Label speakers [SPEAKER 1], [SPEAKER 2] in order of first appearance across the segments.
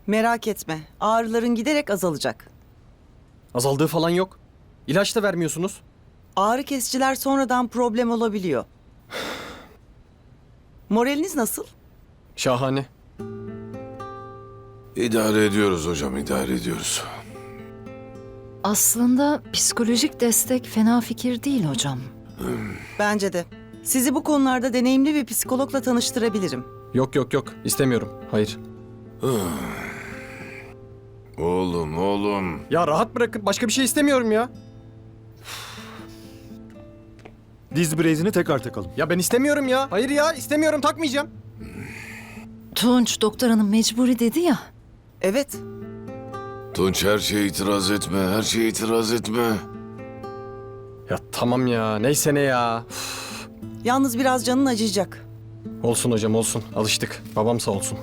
[SPEAKER 1] Merak etme. Ağrıların giderek azalacak.
[SPEAKER 2] Azaldığı falan yok. İlaç da vermiyorsunuz.
[SPEAKER 1] Ağrı kesiciler sonradan problem olabiliyor. Moraliniz nasıl?
[SPEAKER 2] Şahane.
[SPEAKER 3] İdare ediyoruz hocam, idare ediyoruz.
[SPEAKER 4] Aslında psikolojik destek fena fikir değil hocam.
[SPEAKER 1] Bence de. Sizi bu konularda deneyimli bir psikologla tanıştırabilirim.
[SPEAKER 2] Yok. İstemiyorum. Hayır.
[SPEAKER 3] Oğlum.
[SPEAKER 2] Ya rahat bırakın. Başka bir şey istemiyorum ya.
[SPEAKER 5] Diz brezini tekrar takalım.
[SPEAKER 2] Ya ben istemiyorum ya. Hayır ya istemiyorum takmayacağım.
[SPEAKER 4] Tunç doktor hanım mecburi dedi ya.
[SPEAKER 1] Evet.
[SPEAKER 3] Tunç her şeye itiraz etme, her şeye itiraz etme.
[SPEAKER 2] Ya tamam ya. Neyse ne ya.
[SPEAKER 1] Yalnız biraz canın acıyacak.
[SPEAKER 2] Olsun hocam olsun. Alıştık. Babam sağ olsun.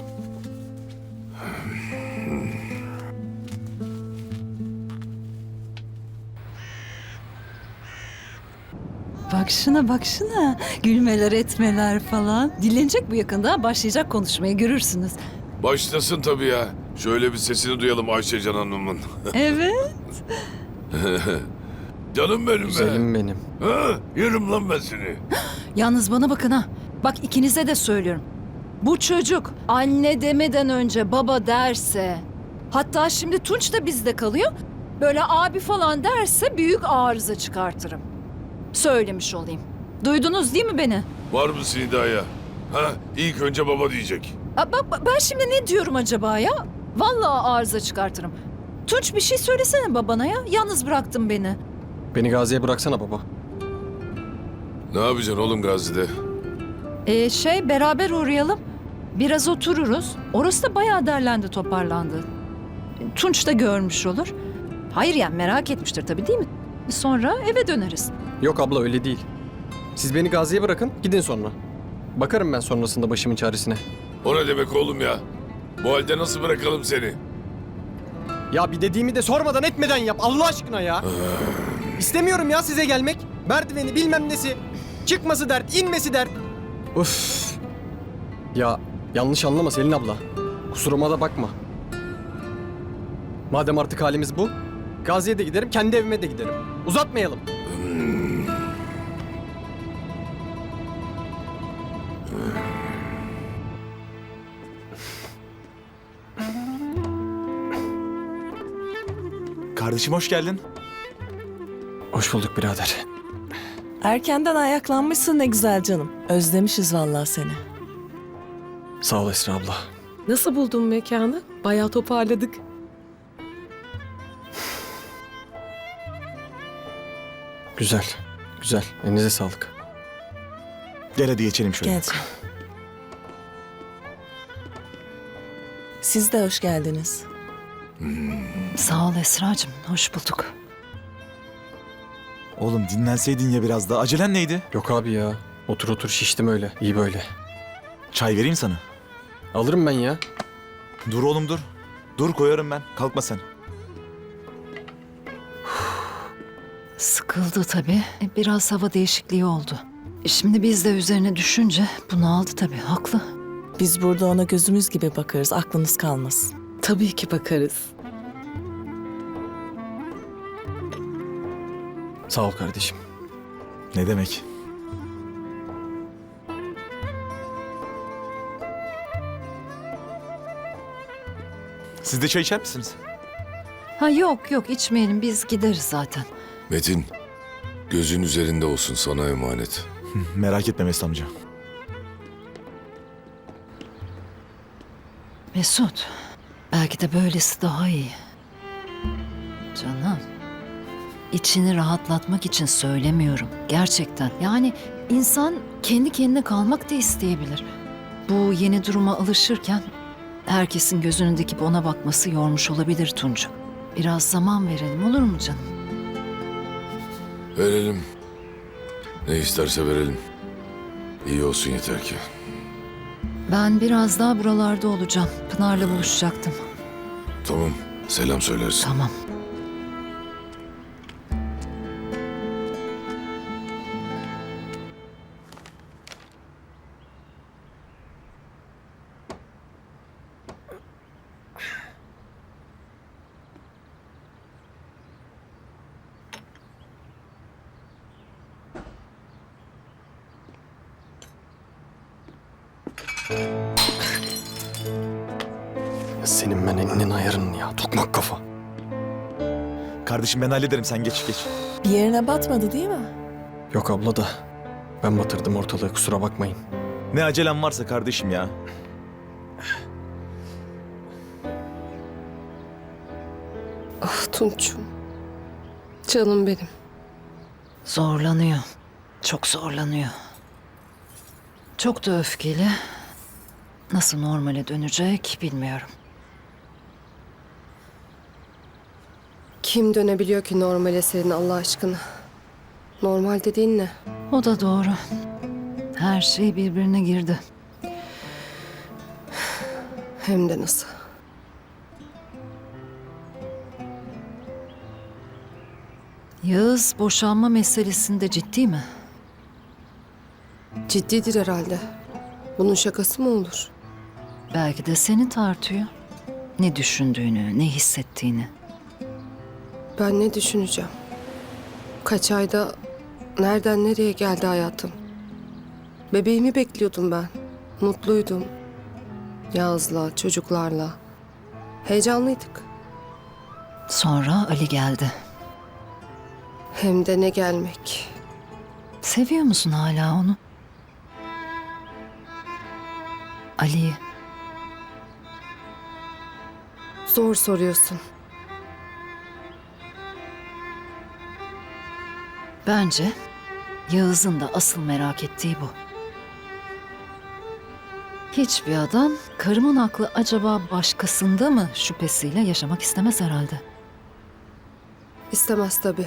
[SPEAKER 4] Bak şuna. Gülmeler etmeler falan. Dinlenecek bu yakında. Başlayacak konuşmaya görürsünüz.
[SPEAKER 3] Başlasın tabii ya. Şöyle bir sesini duyalım Ayşecan Hanım'ın.
[SPEAKER 4] Evet.
[SPEAKER 3] Canım benim be.
[SPEAKER 2] Güzelim benim.
[SPEAKER 3] Ha, yerim lan ben seni.
[SPEAKER 4] Yalnız bana bakın ha. Bak ikinize de söylüyorum. Bu çocuk anne demeden önce baba derse, hatta şimdi Tunç da bizde kalıyor. Böyle abi falan derse büyük arıza çıkartırım. Söylemiş olayım. Duydunuz değil mi beni?
[SPEAKER 3] Var mısın iddiaya? Ha, ilk önce baba diyecek.
[SPEAKER 4] Ben şimdi ne diyorum acaba ya? Vallahi arıza çıkartırım. Tunç bir şey söylesene babana ya. Yalnız bıraktın beni.
[SPEAKER 2] Beni Gazi'ye bıraksana baba.
[SPEAKER 3] Ne yapacaksın oğlum Gazi'de?
[SPEAKER 4] Beraber uğrayalım. Biraz otururuz. Orası da bayağı derlendi toparlandı. Tunç da görmüş olur. Hayır yani merak etmiştir tabii değil mi? Sonra eve döneriz.
[SPEAKER 2] Yok abla öyle değil. Siz beni Gazi'ye bırakın gidin sonra. Bakarım ben sonrasında başımın çaresine.
[SPEAKER 3] O ne demek oğlum ya? Bu halde nasıl bırakalım seni?
[SPEAKER 2] Ya bir dediğimi de sormadan etmeden yap Allah aşkına ya. İstemiyorum ya size gelmek. Merdiveni bilmem nesi. Çıkması dert, inmesi dert. Üf. Ya yanlış anlama Selin abla. Kusuruma da bakma. Madem artık halimiz bu, Gazi'ye de giderim, kendi evime de giderim. Uzatmayalım.
[SPEAKER 5] Kardeşim hoş geldin.
[SPEAKER 2] Hoş bulduk birader.
[SPEAKER 6] Erkenden ayaklanmışsın ne güzel canım. Özlemişiz vallahi seni.
[SPEAKER 2] Sağ ol Esra abla.
[SPEAKER 7] Nasıl buldun mekanı? Bayağı toparladık.
[SPEAKER 2] Güzel, güzel. Elinize sağlık.
[SPEAKER 5] Gel hadi geçelim şöyle.
[SPEAKER 6] Gel canım. Siz de hoş geldiniz.
[SPEAKER 4] Sağ ol Esra'cığım. Hoş bulduk.
[SPEAKER 5] Oğlum dinlenseydin ya biraz daha. Acelen neydi?
[SPEAKER 2] Yok abi ya. Otur şiştim öyle. İyi böyle.
[SPEAKER 5] Çay vereyim sana.
[SPEAKER 2] Alırım ben ya.
[SPEAKER 5] Dur oğlum dur. Dur koyarım ben. Kalkma sen.
[SPEAKER 4] Sıkıldı tabii. Biraz hava değişikliği oldu. Şimdi biz de üzerine düşünce bunaldı tabii. Haklı.
[SPEAKER 6] Biz burada ona gözümüz gibi bakarız. Aklınız kalmasın.
[SPEAKER 7] Tabii ki bakarız.
[SPEAKER 2] Sağ ol kardeşim.
[SPEAKER 5] Ne demek? Siz de çay içer misiniz?
[SPEAKER 4] Ha yok içmeyelim. Biz gideriz zaten.
[SPEAKER 3] Metin, gözün üzerinde olsun sana emanet.
[SPEAKER 5] Merak etme Mesut amca.
[SPEAKER 4] Mesut. Belki de böylesi daha iyi. Canım. İçini rahatlatmak için söylemiyorum. Gerçekten. Yani insan kendi kendine kalmak da isteyebilir. Bu yeni duruma alışırken herkesin gözünün dikip ona bakması yormuş olabilir Tuncu. Biraz zaman verelim olur mu canım?
[SPEAKER 3] Verelim. Ne isterse verelim. İyi olsun yeter ki.
[SPEAKER 4] Ben biraz daha buralarda olacağım. Pınar'la buluşacaktım.
[SPEAKER 3] Tamam, selam söylersin.
[SPEAKER 4] Tamam.
[SPEAKER 2] Senin ben elinin ayarın ya. Tokmak kafa.
[SPEAKER 5] Kardeşim ben hallederim, sen geç geç.
[SPEAKER 6] Bir yerine batmadı değil mi?
[SPEAKER 2] Yok abla da ben batırdım ortalığı, kusura bakmayın.
[SPEAKER 5] Ne acelem varsa kardeşim ya.
[SPEAKER 7] Ah Tunç'um. Canım benim.
[SPEAKER 4] Zorlanıyor. Çok zorlanıyor. Çok da öfkeli. Nasıl normale dönecek bilmiyorum.
[SPEAKER 7] Kim dönebiliyor ki normale senin Allah aşkına? Normal dediğin ne?
[SPEAKER 4] O da doğru. Her şey birbirine girdi.
[SPEAKER 7] Hem de nasıl?
[SPEAKER 4] Yağız boşanma meselesinde ciddi mi?
[SPEAKER 7] Ciddidir herhalde. Bunun şakası mı olur?
[SPEAKER 4] Belki de seni tartıyor. Ne düşündüğünü, ne hissettiğini.
[SPEAKER 7] Ben ne düşüneceğim? Kaç ayda nereden nereye geldi hayatım? Bebeğimi bekliyordum ben. Mutluydum. Yağız'la, çocuklarla. Heyecanlıydık.
[SPEAKER 4] Sonra Ali geldi.
[SPEAKER 7] Hem de ne gelmek.
[SPEAKER 4] Seviyor musun hala onu? Ali'yi.
[SPEAKER 7] Zor soruyorsun.
[SPEAKER 4] Bence Yağız'ın da asıl merak ettiği bu. Hiçbir adam karımın aklı acaba başkasında mı şüphesiyle yaşamak istemez herhalde.
[SPEAKER 7] İstemez tabii.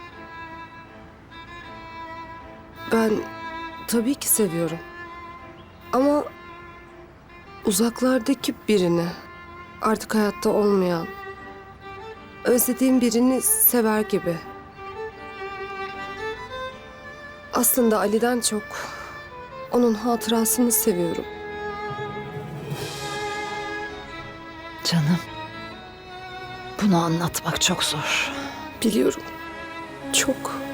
[SPEAKER 7] Ben tabii ki seviyorum. Ama uzaklardaki birini, artık hayatta olmayan, özlediğim birini sever gibi. Aslında Ali'den çok onun hatırasını seviyorum.
[SPEAKER 4] Canım, bunu anlatmak çok zor.
[SPEAKER 7] Biliyorum. Çok.